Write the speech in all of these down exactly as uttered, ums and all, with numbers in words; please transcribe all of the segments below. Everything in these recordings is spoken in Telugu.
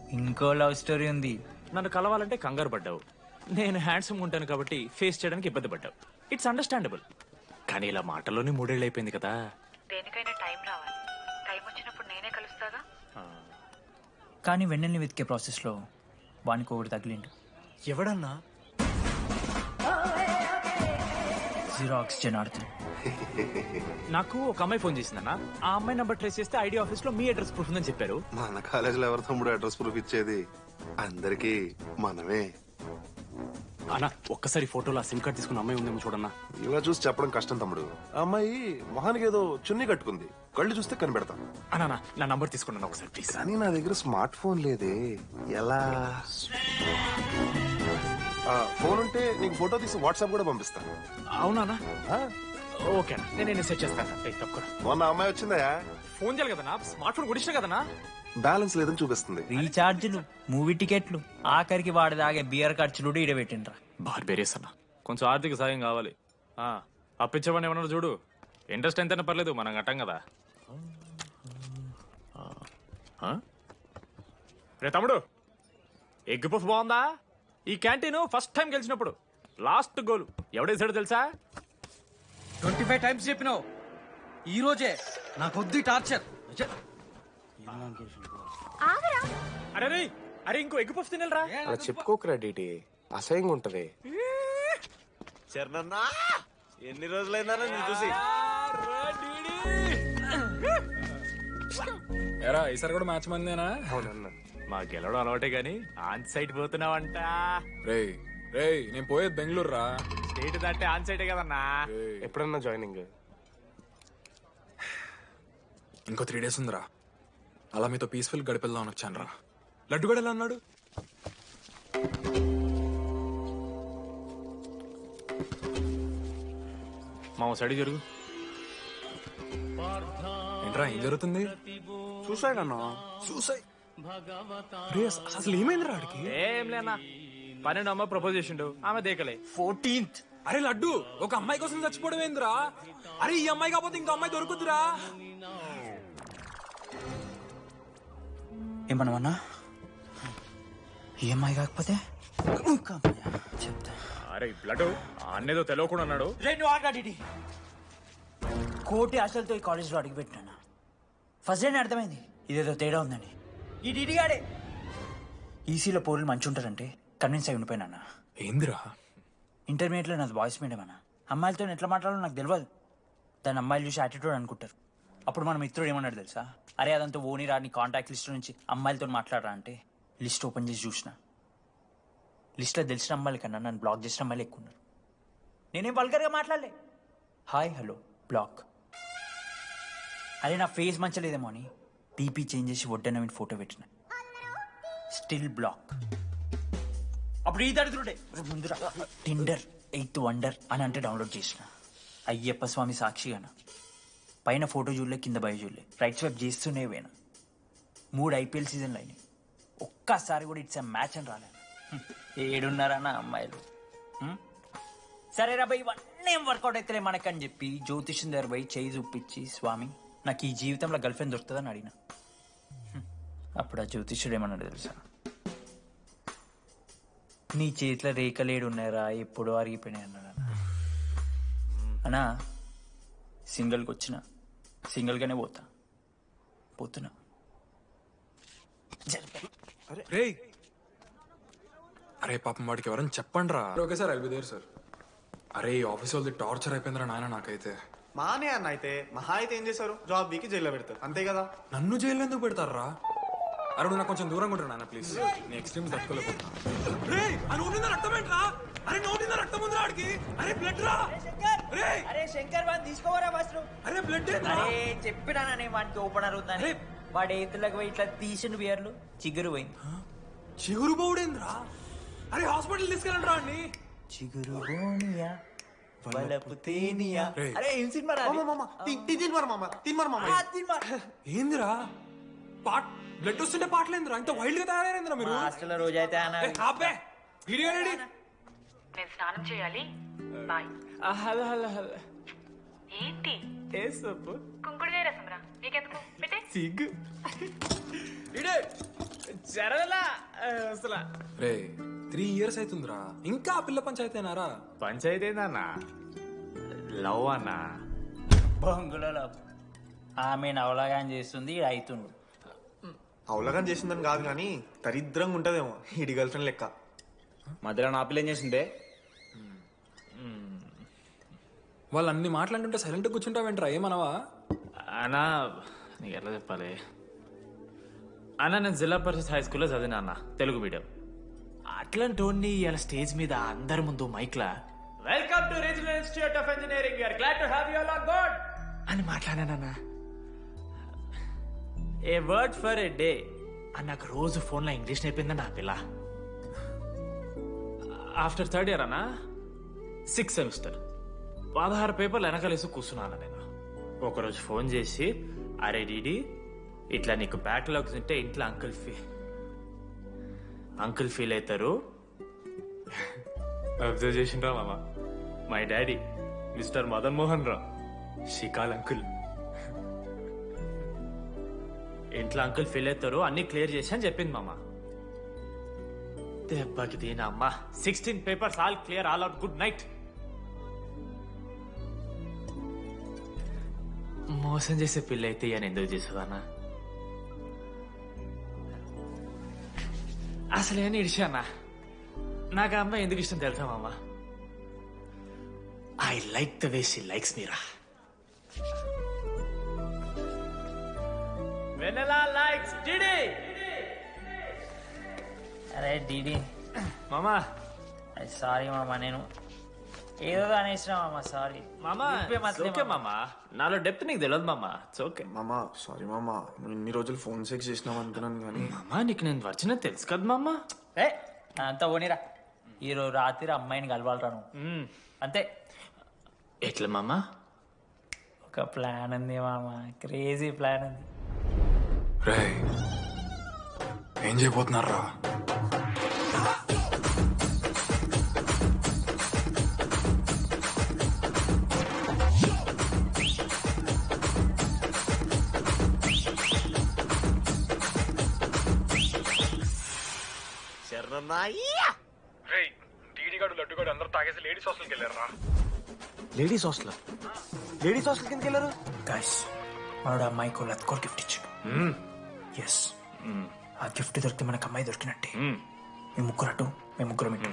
ఇంకో లవ్ స్టోరీ ఉంది. నన్ను కలవాలంటే కంగారు పడ్డావు. నేను హ్యాండ్సమ్ ఉంటాను కాబట్టి ఫేస్ చేయడానికి ఇబ్బంది పడ్డావు. It's understandable. కానీ ఇలా మాటల్లోనే మూడేళ్ళు అయిపోయింది కదా. దేనికైనా టైం రావాలి. టైం వచ్చినప్పుడు నేనే కలుస్తాగా. కానీ వెన్నెల్ని వెతికే ప్రాసెస్లో వానికి ఒకటి తగిలిండు. ఎవడన్నా? జీరో ఆక్సిజన్ ఆడుతుంది. నాకు ఒక అమ్మాయి ఫోన్ చేసిందన్న. ఆ అమ్మాయి నంబర్ ట్రేస్ చేస్తే ఐడి ఆఫీస్ లో మీ అడ్రస్ ప్రూఫ్ ఉందని చెప్పారు. మన కాలేజీలో ఎవరి తమ్ముడు అడ్రస్ ప్రూఫ్ ఇచ్చేది? అందరికి మనమే. అన్న ఒక్కసారి ఫోటోలో సిమ్ కార్డ్ తీసుకున్న అమ్మాయి ఉందేమో చూడన్నా. ఇలా చూసి చెప్పడం కష్టం తమ్ముడు. ఆ అమ్మాయి మొహానికి ఏదో చున్నీ కట్టుకుంది. కళ్ళు చూస్తే కనిపెడతాం. అన్నా నా నంబర్ తీసుకున్నాను ఒకసారి ప్లీజ్. కానీ నా దగ్గర స్మార్ట్ ఫోన్ లేదే. ఎలా? ఫోన్ ఉంటే నీకు ఫోటో తీసి వాట్సాప్ కూడా పంపిస్తాను. అవునా? ఓకే నేను నేను సెట్ చేస్తాను. తక్కువ మొన్న అమ్మాయి వచ్చిందా? ఫోన్ చేయాలి కదన్నా. స్మార్ట్ ఫోన్ కొడిచిన కదన్నా. బ్యాలెన్స్ లేదని చూపిస్తుంది. రీఛార్జ్లు, మూవీ టికెట్లు, ఆఖరికి వాడి దాగే బియర్ ఖర్చులు ఈడ పెట్టిండ్రా. బార్బేరియస్ అన్న కొంచెం ఆర్థిక సాయం కావాలి. అప్పించమని ఏమన్నారు చూడు. ఇంట్రెస్ట్ ఎంతైనా పర్లేదు, మనం కట్టాం కదా. రే తమ్ముడు, ఎగ్ పఫ్ బాగుందా? ఈ క్యాంటీన్ ఫస్ట్ టైం గెలిచినప్పుడు లాస్ట్ గోల్ ఎవడేసాడో తెలుసా? ట్వంటీ ఫైవ్ టైమ్స్ చెప్పినావు. ఈ రోజే నా కొద్ది టార్చర్. అరే రే అరే ఇంకో ఎగ్ పఫ్ తినరా. అలా చెప్పుకోకరా డీటీ, అసహ్యంగా ఉంటది. చరణన్నా ఎన్ని రోజులైనా నేను చూసి. ఎరా ఈసారి కూడా మ్యాచ్ మందేనా? అవునన్నా. మా గెలవడం అలవాటే గాని ఆన్ సైడ్ పోతున్నావంట. రే రే నేను పోయేది బెంగళూరు రా. స్టేట్ దాటే ఆన్ సైడే కదన్నా. ఎప్పుడన్నా జాయినింగ్? ఇంకో త్రీ డేస్ ఉందిరా. అలా మీతో పీస్ఫుల్ గడిపెళ్దామని వచ్చాను రా. లడ్డు కూడా ఎలా అన్నాడు? మా సైడ్ జరుగు. ఏంట్రా ఏం జరుగుతుంది? సూసైడ్ అన్నా. సూసైడ్? అసలు ఏమైందిరా ఆడికి? ఏం లేనా, పన్నెండు అమ్మాయి ప్రపోజ్ చేసిండు, ఆమె దేకలే. ఫోర్టీన్త్. అరే లడ్డు, ఒక అమ్మాయి కోసం చచ్చిపోవడం ఏందిరా? అరే ఈ అమ్మాయి కాకపోతే ఇంకో అమ్మాయి దొరుకుతురా. ఏమన్నావన్నా? ఈ అమ్మాయి కాకపోతే చెప్తా. అరే బ్లడ్ అన్నేదో తెలియకుండా అన్నాడు. రెండు ఆగాడి కోటి ఆశలతో ఈ కాలేజ్లో అడుగుపెట్టినా. ఫస్ట్ డే అర్థమైంది ఇదేదో తేడా ఉందని. ఈ డిడిగాడే ఈసీలో పౌరులు మంచి ఉంటారంటే కన్విన్స్ అయి ఉండిపోయినా. ఏందిరా? ఇంటర్మీడియట్లో నాది బాయ్స్ మీడియం అన్న. అమ్మాయిలతో ఎట్లా మాట్లాడాలో నాకు తెలియదు. దాని అమ్మాయిలు చూసి యాటిట్యూడ్ అనుకుంటారు. అప్పుడు మన మిత్రుడు ఏమన్నాడు తెలుసా? అరే అదంతా ఓని రాని కాంటాక్ట్ లిస్ట్ నుంచి అమ్మాయిలతో మాట్లాడరా అంటే లిస్ట్ ఓపెన్ చేసి చూసిన. లిస్ట్లో తెలిసిన అమ్మాయిల కన్నా నన్ను బ్లాక్ చేసిన అమ్మాయిలు ఎక్కువ ఉన్నారు. నేనేం వల్గర్గా మాట్లాడలే. Hi hello block. అరే నా ఫేస్ మంచలేదేమో అని టీపీ చేంజ్ చేసి వడ్డన ఫోటో పెట్టిన. Still block. అప్పుడు ఈ దరిద్రుడే ముందురా టిండర్ ఎయిత్ వండర్ అని అంటే డౌన్లోడ్ చేసిన. అయ్యప్ప స్వామి సాక్షిగాన పైన ఫోటో చూడలే, కింద బయ చూడలే, రైట్ స్వైప్ చేస్తూనే పోయినా. మూడు ఐపీఎల్ సీజన్లు అయినాయి, ఒక్కసారి కూడా ఇట్స్ మ్యాచ్ అని రాలేదు. ఏడున్నారన్న అమ్మాయిలు. సరే రా భయ్, ఇవన్నీ ఏం వర్కౌట్ అవుతలే మనకని చెప్పి జ్యోతిష్యం దగ్గర పోయి చేయి చూపించి, స్వామి నాకు ఈ జీవితంలో గర్ల్ ఫ్రెండ్ దొరుకుతుందని అడిగిన. అప్పుడు ఆ జ్యోతిష్యుడు ఏమన్నాడు తెలుసా? నీ చేతిలో రేఖలేడు ఉన్నాయరా, ఎప్పుడో అరిగిపోయినాయి అన్నాడు. అన్నా సింగిల్కి వచ్చిన సింగిల్గానే పోతా పోతున్నా. రే అరే పాపం వాడికి ఎవరైనా చెప్పండి రా. Okay sir, I'll be there sir. అరే ఈ ఆఫీస్ వాళ్ళది టార్చర్ అయిపోయిందిరా నాయన నాకైతే. మానే అన్న అయితే మహా అయితే ఏం చేశారు? జాబ్ వీకి జైల్లో పెడతారు అంతే కదా. నన్ను జైలు ఎందుకు పెడతారా? అరే నువ్వు నాకు కొంచెం దూరంగా ఉంటారు నాన్న ప్లీజ్. నీ ఎక్స్ట్రీమ్స్ తట్టుకోలేకపోతున్నా. రే ఆ నోటిందా రక్తం ఏంట్రా? అరే నోటిందా రక్తం ఉందిరా ఆడికి. అరే బ్లడ్ రా. రే అరే శంకర్ వాడిని తీసుకోవరా ఫస్ట్. అరే బ్లడ్ అరే చెప్పినా నేను వాడికి ఓపెనర్ అవుతాను. వాడు ఏతులకు పోయి ఇట్లా తీసిన బియర్లు చిగురు పోయింది. చిగురు బౌడేంద్రా? అరే హాస్పిటల్ తీసుకెళ్ళండి రా అండి. చిగురు బోనియా వలపు తేనియా. అరే ఏం సినిమా రా? ఏందిరా పాట్ బ్లడ్ వస్తుంటే పాటలేందిరా? ఇంత వైల్డ్ గా తయారైందిరా మీరు. హాస్టల్ రోజు అయితే అబ్బే వీడియో రెడీ. నేను స్నానం చేయాలి. బాయ్. Hello hello hello. ఏంటి ఏ సొప్పు? కుంకుడుగాయ రసం రా. నీకెందుకు పెట్టే? సిగ్గు. ఇడే జరగలా అసలు రే త్రీ ఇయర్స్ అవుతుందిరా ఇంకా ఆ పిల్ల పంచాయతీనారా? పంచాయతీ ఏందన్నా? లవ్ అన్నా. బొంగులో ఆమె నవలాగా చేస్తుంది ఈడు అవుతుండు. అవలగాని చేసిందని కాదు కానీ దరిద్రంగా ఉంటదేమో ఇడి గర్ల్ ఫ్రెండ్ లెక్క. మధ్యలో నా పిల్ల ఏం చేసిందే? వాళ్ళు అన్ని మాట్లాడుతుంటే సైలెంట్ కూర్చుంటావేంట్రా? ఏమనవా? అన్నా నీకు ఎట్లా చెప్పాలి అన్న, నేను జిల్లా పరిషత్ హై స్కూల్లో చదివినా అన్న, తెలుగు మీడియం. అట్లాంటి వాడిని ఇలా స్టేజ్ మీద అందరి ముందు మైక్లా welcome to regional institute of engineering, we are glad to have you all on board అని మాట్లాడానన్నా. A word for a day అని నాకు రోజు ఫోన్లో ఇంగ్లీష్ నేర్పిందన్న ఆ పిల్ల. ఆఫ్టర్ థర్డ్ ఇయర్ అన్నా, సిక్స్ సెమిస్టర్, పదహారు పేపర్లు వెనకాలేసి కూర్చున్నాను నేను. ఒకరోజు ఫోన్ చేసి, అరే డీడీ ఇట్లా నీకు బ్యాక్లాగ్స్ ఉంటే ఇంట్లో అంకుల్ ఫీ అంకుల్ ఫీల్ అవుతారు. అబ్జర్వ్ చేసిండ్రా మామ, my daddy mister Madan Mohan రా, షికాల్ అంకుల్. ఇంట్లో అంకుల్ ఫీల్ అవుతారు, అన్ని క్లియర్ చేసి అని చెప్పింది మామ. దెబ్బకి దీని అమ్మ, sixteen papers all clear, all out, good night. మోసం చేసే పిల్ల అయితే అని ఎందుకు చేసేదన్నా? అసలు ఏమని ఇడిచానా? నాకు ఆ అమ్మాయి ఎందుకు ఇష్టం తెలుసా మామ? I like the way she likes మీరా. Vennela likes DD. అరే డీడీ మామా సారీ మామ, నేను ఏదో అనేసిన మామ, సారీ మామా ఓకే మామా, నాలో డెప్త్ నీకు తెలియదు మామా. ఇట్స్ ఓకే మామా సారీ మామా, నువ్వు ఇన్ని రోజులు ఫోన్ సెక్స్ చేసినావు అనుకున్నాను కానీ. మామా నీకు నేను వచ్చిన తెలుసు కదా మామా. ఏ అంతా పోనీరా, ఈరోజు రాత్రి అమ్మాయిని కలవాలరా నువ్వు, అంతే. ఎట్లా మామా? ఒక ప్లాన్ ఉంది మామ, క్రేజీ ప్లాన్ ఉంది. రే ఏం చేయబోతున్నారా? లేడీస్ హాస్టల్ లేడీస్ హాస్టల్ కిందకి వెళ్ళారు. గైస్ వాడు అమ్మాయికి లత్కోర్ గిఫ్ట్ ఇచ్చాడు. ఎస్, ఆ గిఫ్ట్ దొరికితే మనకు అమ్మాయి దొరికినట్టే. మీ ముగ్గురు అటు, మేము ముగ్గురం ఇటు.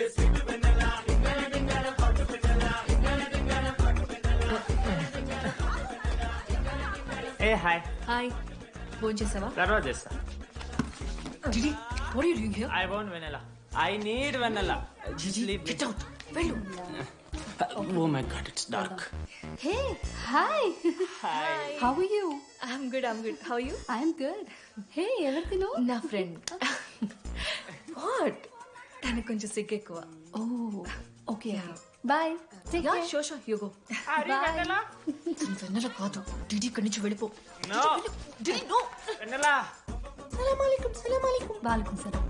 ఏ హాయ్. హాయ్, ఫోన్ చేసావా? తర్వాత చేస్తా. Didi, what are you doing here? I want Vennela, I need Vennela. Gigi, get out. వెళ్ళు. Oh my god, it's dark. Hey, hi. Hi. How are you? I'm good, I'm good. How are you? I'm good. Hey, ఎవరిదిను? నా ఫ్రెండ్. What? తనకు కొంచెం సిగ్గు ఎక్కువ. Oh, okay. Bye. Take care. Yeah, sure, sure. You go. Bye. వెన్నెలా కాదు. Didi ఇక్కడి నుంచి వెళ్ళిపో. No. Didi, no. వెనెలా. సలాం అలైకుం, సలాం అలైకుం. వాలేకుం సలాం.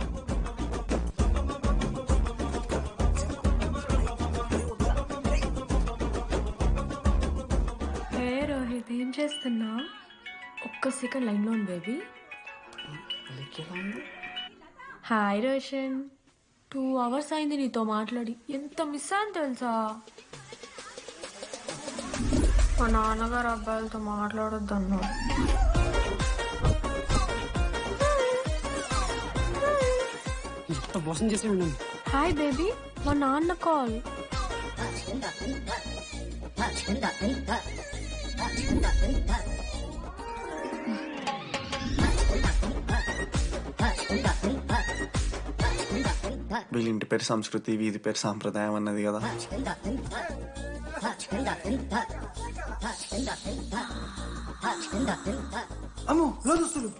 హే రోహిత్, ఏం చేస్తున్నా? ఒక్క సెకండ్ లైన్లో ఉంది baby. Hi Roshan, two hours అయింది నీతో మాట్లాడి, ఎంత మిస్ అని తెలుసా? మా నాన్నగారు అబ్బాయిలతో మాట్లాడొద్దు అన్నారు. హాయ్ బేబీ, మా నాన్న కాల్. వీళ్ళ ఇంటి పేరు సంస్కృతి, వీధి పేరు సాంప్రదాయం అన్నది కదా. అమ్మో లోదుస్తులు.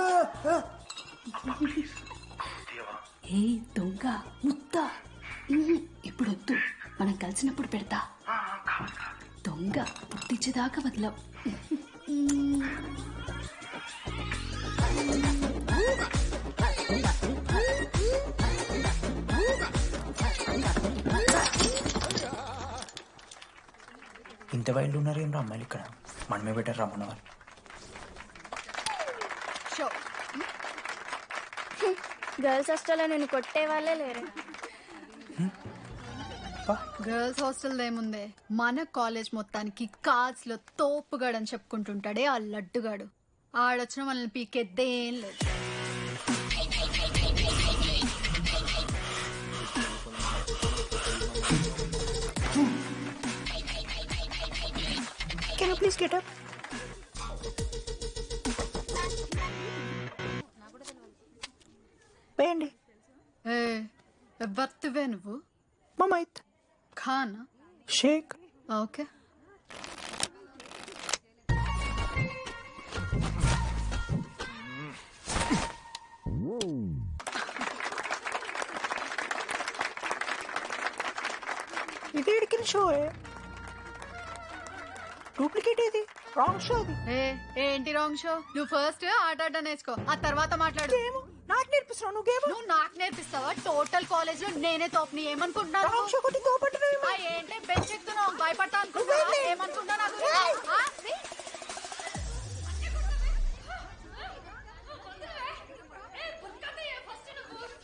ఏ దొంగ ముత్త, ఇప్పుడు వద్దు, మనం కలిసినప్పుడు పెడతా. దొంగ పుట్టించేదాకా వదలం. ఇంత వైల్డ్ ఉన్నారు ఏం రా అమ్మాయిలు ఇక్కడ, మనమే బెటర్ రమ్మన్న వాళ్ళు. గర్ల్స్ హాస్టల్లో నేను కొట్టే వాళ్ళే లేరు. గర్ల్స్ హాస్టల్ ఏముందే, మన కాలేజ్ మొత్తానికి కార్డ్స్ లో తోపుగాడు అని చెప్పుకుంటుంటాడే ఆ లడ్డుగాడు. ఆడొచ్చిన మనల్ని పీకెద్దేం లేదు. Can you please get up? వేయండి. ఏ ఎవరివే నువ్వు? మమైత్ ఖానా? షేక్. ఓకే. ఇది ఇడికిన షో డూప్లికేట్ ఇది రాంగ్ షో అది. ఏ ఏంటి రాంగ్ షో? నువ్వు ఫస్ట్ ఆట ఆట నేర్చుకో, ఆ తర్వాత మాట్లాడు. నాకు నేర్పిస్తున్నావు నువ్వు. నువ్వు నాకు నేర్పిస్తావా? టోటల్ కాలేజ్ లో నేనే తోపని ఏమనుకుంటున్నావు? రాంగ్ షో కొట్టి తోపట్టున్నావు. ఆ, ఏంటి బెంచ్ ఎక్కుతున్నావు? భయపడతా అనుకుంటున్నావా? ఏమనుకుంటా నాకు? ఆ, see?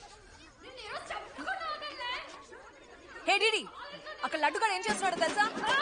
హే డిడి, అక్కడ లడ్డుగాడు ఏం చేస్తున్నాడు తెలుసా?